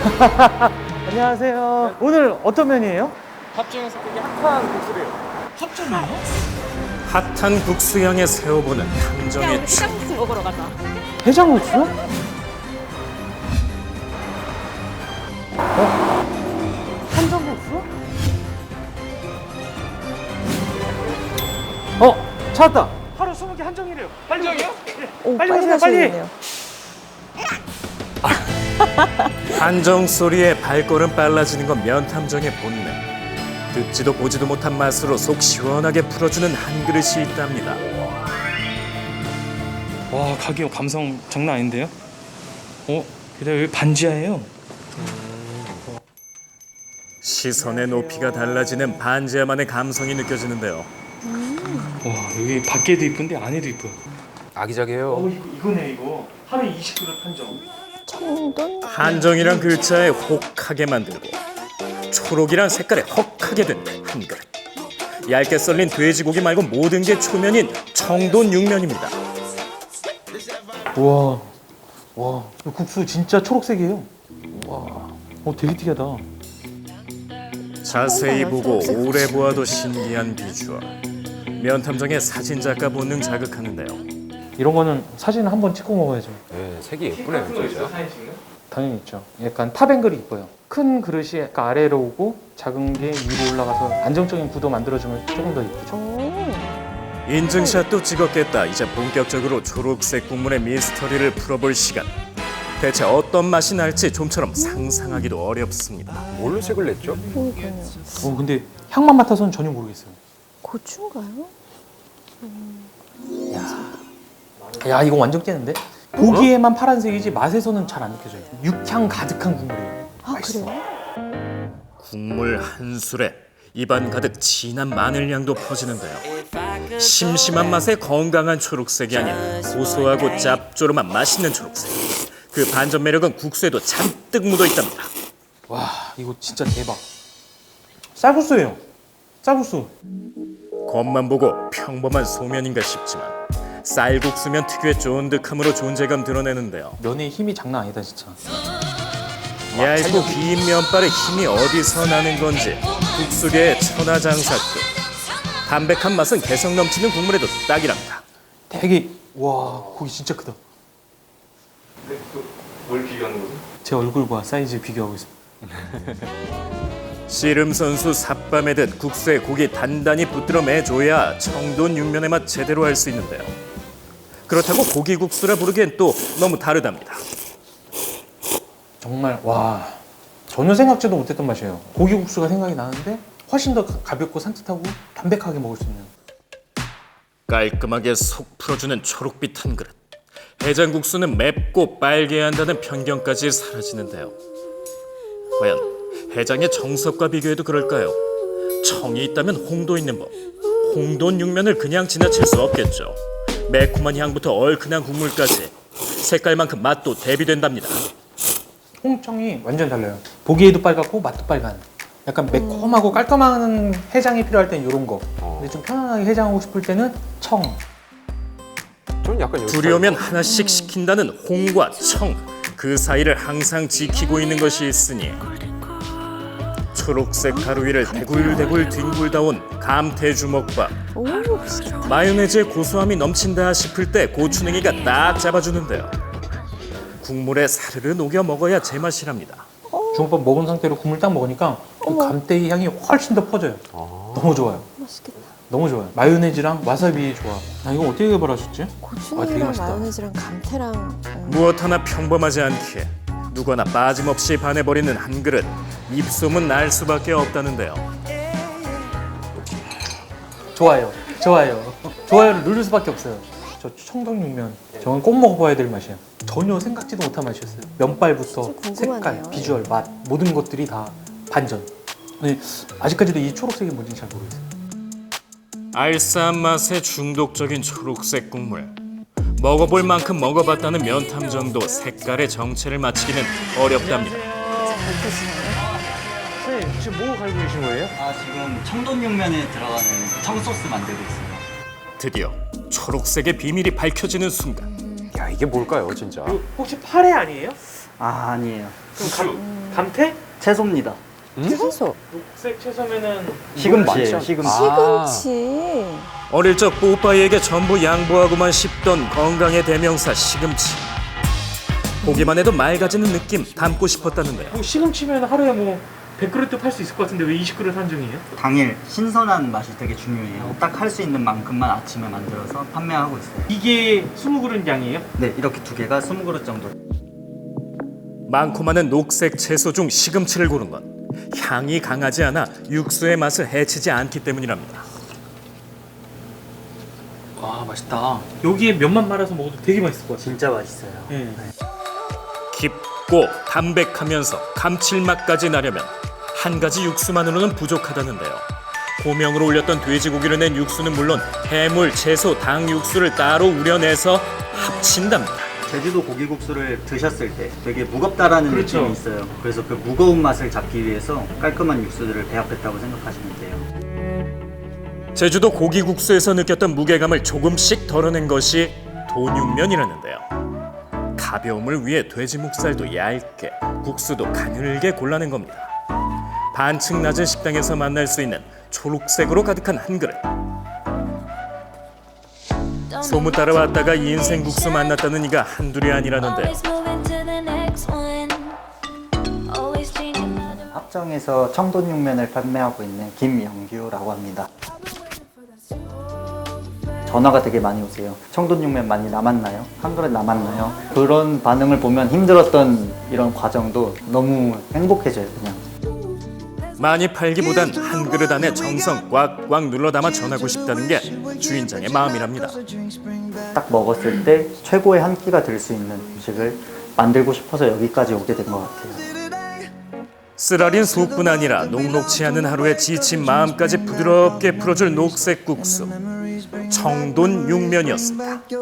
안녕하세요. 오늘 어떤 면이에요? 합정에서 되게 핫한 국수래요. 합정이요? 핫한 국수 향에 세워보는 탐정의 추. 해장국수 먹으러 가자. 해장국수? 한정국수? 찾았다. 하루 20개 한정이래요. 빨리 오세요. 오, 빨리 오세요, 빨리. 가시겠네요. 한정 소리에 발걸음 빨라지는 건 면탐정의 본능. 듣지도 보지도 못한 맛으로 속 시원하게 풀어주는 한 그릇이 있답니다. 와, 가게 감성 장난 아닌데요? 게다가 여기 반지하예요. 시선의 높이가 달라지는 반지하만의 감성이 느껴지는데요. 와, 여기 밖에도 이쁜데 안에도 이뻐요. 아기자기해요. 이거네 이거. 하루에 20그릇 한정. 청돈? 한정이란 글자에 혹하게 만들고 초록이란 색깔에 헉하게 된 한 그릇. 얇게 썰린 돼지고기 말고 모든 게 초면인 청돈 육면입니다. 우와, 와, 이 국수 진짜 초록색이에요. 와, 되게 특이하다. 자세히 보고 오래 보아도 신기한 비주얼. 면탐정의 사진작가 본능 자극하는데요. 이런 거는 사진을 한번 찍고 먹어야죠. 네, 색이 예쁘네요, 진짜. 당연히 있죠. 약간 탑앵글이 이뻐요. 큰 그릇이 약간 아래로 오고 작은 게 위로 올라가서 안정적인 구도 만들어주면 조금 더 이쁘죠. 오. 인증샷도 찍었겠다. 이제 본격적으로 초록색 국물의 미스터리를 풀어볼 시간. 대체 어떤 맛이 날지 좀처럼 상상하기도 어렵습니다. 뭘로 색을 냈죠? 그러니까요. 근데 향만 맡아서는 전혀 모르겠어요. 고추인가요? 야, 이거 완전 깨는데? 보기에만 파란색이지 맛에서는 잘 안 느껴져요. 육향 가득한 국물이에요. 아, 맛있어. 그래요? 국물 한 술에 입안 가득 진한 마늘 향도 퍼지는데요. 심심한 맛에 건강한 초록색이 아닌 고소하고 짭조름한 맛있는 초록색. 그 반전 매력은 국수에도 잔뜩 묻어 있답니다. 와, 이거 진짜 대박. 쌀국수예요. 쌀국수. 겉만 보고 평범한 소면인가 싶지만 쌀국수면 특유의 쫀득함으로 존재감 드러내는데요. 면의 힘이 장난 아니다, 진짜. 얇고 긴 면발에 힘이 어디서 나는 건지 국수계의 천하장사급. 담백한 맛은 개성 넘치는 국물에도 딱이랍니다. 되게, 와, 고기 진짜 크다. 뭘 비교하는 거죠? 제 얼굴과 사이즈 비교하고 있습니다. 씨름 선수 삿밤에 듯 국수에 고기 단단히 붙들어 매줘야 청돈 육면의 맛 제대로 할 수 있는데요. 그렇다고 고기국수라 부르기엔 또 너무 다르답니다. 정말, 와, 전혀 생각지도 못했던 맛이에요. 고기국수가 생각이 나는데 훨씬 더 가볍고 산뜻하고 담백하게 먹을 수 있는. 깔끔하게 속 풀어주는 초록빛 한 그릇. 해장국수는 맵고 빨개야 한다는 편견까지 사라지는데요. 과연 해장의 정석과 비교해도 그럴까요? 청이 있다면 홍도 있는 법. 홍돈 육면을 그냥 지나칠 수 없겠죠. 매콤한 향부터 얼큰한 국물까지 색깔만큼 맛도 대비된답니다. 홍청이 완전 달라요. 보기에도 빨갛고 맛도 빨간. 약간 매콤하고 깔끔한 해장이 필요할 땐 이런 거. 근데 좀 편안하게 해장하고 싶을 때는 청. 저는 약간 여기 두려우면 하나씩 시킨다는 홍과 청. 그 사이를 항상 지키고 있는 것이 있으니 초록색 가루 위를 대굴대굴 뒹굴다온 감태주먹밥. 오, 맛있겠다. 마요네즈의 고소함이 넘친다 싶을 때 고추냉이가 딱 잡아주는데요. 국물에 사르르 녹여 먹어야 제맛이랍니다. 주먹밥 먹은 상태로 국물 딱 먹으니까 그 감태의 향이 훨씬 더 퍼져요. 너무 좋아요. 맛있겠다. 너무 좋아요. 마요네즈랑 와사비의 조합. 이거 어떻게 개발하셨지? 되게 고추냉이랑 맛있다. 마요네즈랑 감태랑 무엇 하나 평범하지 않기에 누구나 빠짐없이 반해버리는 한 그릇. 입소문 날 수밖에 없다는데요. 좋아요. 좋아요. 좋아요를 누를 수밖에 없어요. 저 청동육면 저건 꼭 먹어봐야 될 맛이에요. 전혀 생각지도 못한 맛이었어요. 면발부터 진짜 색깔, 궁금하네요. 비주얼, 맛 모든 것들이 다 반전. 근데 아직까지도 이 초록색이 뭔지 잘 모르겠어요. 알싸한 맛에 중독적인 초록색 국물. 먹어볼 만큼 먹어봤다는 면탐정도 색깔의 정체를 맞히기는 어렵답니다. 선생님 지금 뭐 갈고 계신 거예요? 지금 청돈육면에 들어가는 청소스 만들고 있습니다. 드디어 초록색의 비밀이 밝혀지는 순간. 야, 이게 뭘까요, 진짜? 혹시 파래 아니에요? 아니에요. 그럼 감태? 채소입니다. 채소. 녹색 채소면은 시금치예요. 시금치. 시금치. 어릴 적 뽀빠이에게 전부 양보하고만 싶던 건강의 대명사 시금치. 보기만 해도 맑아지는 느낌 담고 싶었다는데요. 뭐 시금치면 하루에 뭐 100그릇도 팔 수 있을 것 같은데 왜 20그릇 한정이에요? 당일 신선한 맛이 되게 중요해요. 딱 할 수 있는 만큼만 아침에 만들어서 판매하고 있어요. 이게 20그릇 양이에요? 네, 이렇게 두 개가 20그릇 정도. 많고 많은 녹색 채소 중 시금치를 고른 건 향이 강하지 않아 육수의 맛을 해치지 않기 때문이랍니다. 와 맛있다. 여기에 면만 말아서 먹어도 되게 맛있을 것 같아요. 진짜 맛있어요. 네. 깊고 담백하면서 감칠맛까지 나려면 한 가지 육수만으로는 부족하다는데요. 고명으로 올렸던 돼지고기를 낸 육수는 물론 해물, 채소, 닭 육수를 따로 우려내서 합친답니다. 제주도 고기국수를 드셨을 때 되게 무겁다라는 그렇죠. 느낌이 있어요. 그래서 그 무거운 맛을 잡기 위해서 깔끔한 육수들을 배합했다고 생각하시면 돼요. 제주도 고기국수에서 느꼈던 무게감을 조금씩 덜어낸 것이 돈육면이라는데요. 가벼움을 위해 돼지 목살도 얇게, 국수도 가늘게 골라낸 겁니다. 반층 낮은 식당에서 만날 수 있는 초록색으로 가득한 한 그릇. 소문 따라왔다가 인생 국수 만났다는 이가 한둘이 아니라는데요. 합정에서 청돈육면을 판매하고 있는 김영규라고 합니다. 전화가 되게 많이 오세요. 청돈육면 많이 남았나요? 한 그릇 남았나요? 그런 반응을 보면 힘들었던 이런 과정도 너무 행복해져요, 그냥. 많이 팔기보단 한 그릇 안에 정성 꽉꽉 눌러 담아 전하고 싶다는 게 주인장의 마음이랍니다. 딱 먹었을 때 최고의 한 끼가 될 수 있는 음식을 만들고 싶어서 여기까지 오게 된 것 같아요. 쓰라린 속뿐 아니라 녹록치 않은 하루의 지친 마음까지 부드럽게 풀어줄 녹색 국수. 청돈육면이었습니다.